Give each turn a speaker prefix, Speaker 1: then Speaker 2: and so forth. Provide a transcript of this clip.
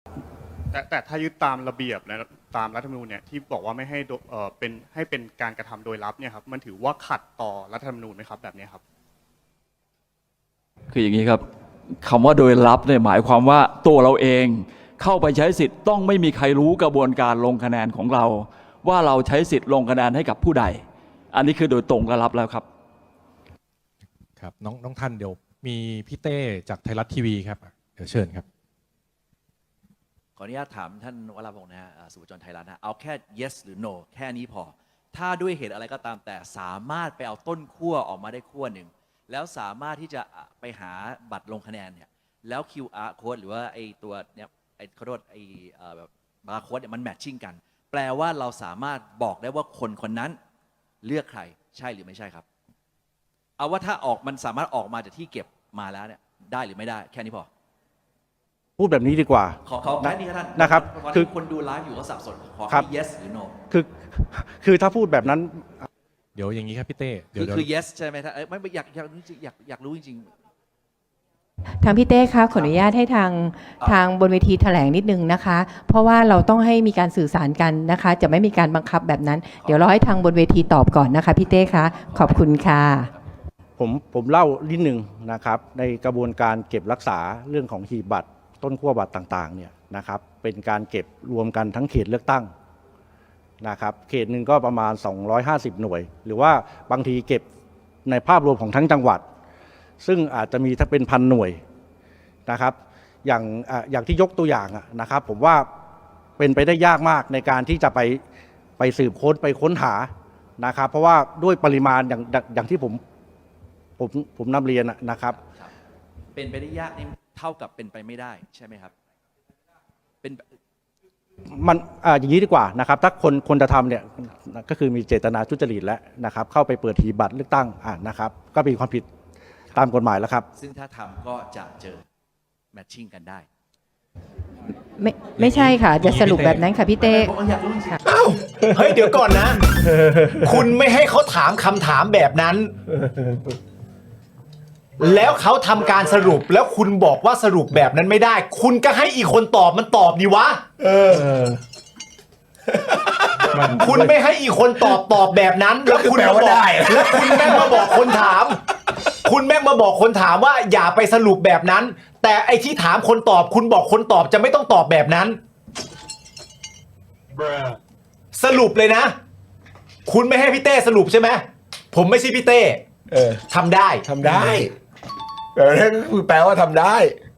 Speaker 1: แต่ถ้ายึดตามระเบียบและตามรัฐธรรมนูญเนี่ยที่บอกว่าไม่ให้เป็นการกระทำโดยลับเนี่ยครับมันถือว่าขัดต่อรัฐธรรมนูญไหมครับแบบนี้ครับ
Speaker 2: คืออย่างนี้ครับคำว่าโดยลับเนี่ยหมายความว่าตัวเราเองเข้าไปใช้สิทธิ์ต้องไม่มีใครรู้กระบวนการลงคะแนนของเราว่าเราใช้สิทธิ์ลงคะแนนให้กับผู้ใดอันนี้คือโดยตรงและลับแล้วครับ
Speaker 3: ครับน้องท่านเดี๋ยวมีพี่เต้จากไทยรัฐทีวีครับเดี๋ยวเชิญครับ
Speaker 4: ขออนุญาตถามท่านวราพงศ์นะฮะสุวจรไทยรัฐนะเอาแค่ yes หรือ no แค่นี้พอถ้าด้วยเหตุอะไรก็ตามแต่สามารถไปเอาต้นขั้วออกมาได้ขั้วหนึ่งแล้วสามารถที่จะไปหาบัตรลงคะแนนเนี่ยแล้ว QR code หรือว่าไอตัวเนี่ยไอขอโทษไอแบบบาร์โค้ดเนี่ยมันแมทชิ่งกันแปลว่าเราสามารถบอกได้ว่าคนคนนั้นเลือกใครใช่หรือไม่ใช่ครับเอาว่าถ้าออกมันสามารถออกมาจากที่เก็บมาแล้วเนี่ยได้หรือไม่ได้แค่นี้พอ
Speaker 5: พูดแบบนี้ดีกว่า
Speaker 4: ขอแค่นี้ครับท่าน
Speaker 5: นะครับ
Speaker 4: คือคนดูไลฟ์อยู่ก็สับสนขอให้ yes หรือ no
Speaker 5: คือถ้าพูดแบบนั้น
Speaker 3: เดี๋ยวอย่างนี้ครับพี่เต้เดี๋ยว
Speaker 4: คือ yes ใช่ไหมท่านไม่อยากรู้จริง
Speaker 6: ทางพี่เต้คะขออนุญาตให้ทางบนเวทีแถลงนิดนึงนะคะ เพราะว่าเราต้องให้มีการสื่อสารกันนะคะ จะไม่มีการบังคับแบบนั้นเดี๋ยวเราให้ทางบนเวทีตอบก่อนนะคะพี่เต้คะขอบคุณค่ะ
Speaker 5: ผมเล่านิดนึงนะครับในกระบวนการเก็บรักษาเรื่องของหีบบัตรต้นขั้วบัตรต่างๆเนี่ยนะครับเป็นการเก็บรวมกันทั้งเขตเลือกตั้งนะครับเขตหนึ่งก็ประมาณ250หน่วยหรือว่าบางทีเก็บในภาพรวมของทั้งจังหวัดซึ่งอาจจะมีถ้าเป็น1,000หน่วยนะครับอย่างที่ยกตัวอย่างนะครับผมว่าเป็นไปได้ยากมากในการที่จะไปสืบค้นไปค้นหานะครับเพราะว่าด้วยปริมาณอย่างที่ผมนำเรียนนะครับ
Speaker 4: เป็นไปได้ยากนี่เท่ากับเป็นไปไม่ได้ใช่ไหมครับเป็น
Speaker 5: มันอย่างนี้ดีกว่านะครับถ้าคนจะทำเนี่ยก็คือมีเจตนาทุจริตแล้วนะครับเข้าไปเปิดหีบบัตรเลือกตั้งนะครับก็มีความผิดตามกฎหมายแล้วครับ
Speaker 4: ซึ่งถ้าทำก็จะเจอแมทชิ่งกันได้
Speaker 6: ไม่ใช่ค่ะจะสรุปแบบนั้นค่ะพี่เต้
Speaker 7: อ้าวเฮ้ยเดี๋ยวก่อนนะ คุณไม่ให้เขาถามคำถามแบบนั้น แล้วเขาทำการสรุปแล้วคุณบอกว่าสรุปแบบนั้นไม่ได้ คุณก็ให้อีกคนตอบมันตอบดีวะคุณไม่ให้อีกคนตอบแบบนั้นแล้วคุณมาบอกแล้วคุณแม่งมาบอกคนถาม คุณแม่งมาบอกคนถามว่าอย่าไปสรุปแบบนั้น แต่ไอ้ที่ถามคนตอบคุณบอกคนตอบจะไม่ต้องตอบแบบนั้นสรุปเลยนะคุณไม่ให้พี่เต้สรุปใช่ไหมผมไม่ใช่พี่เต้ทำได้
Speaker 8: นั่นก็คือแปลว่าทำได้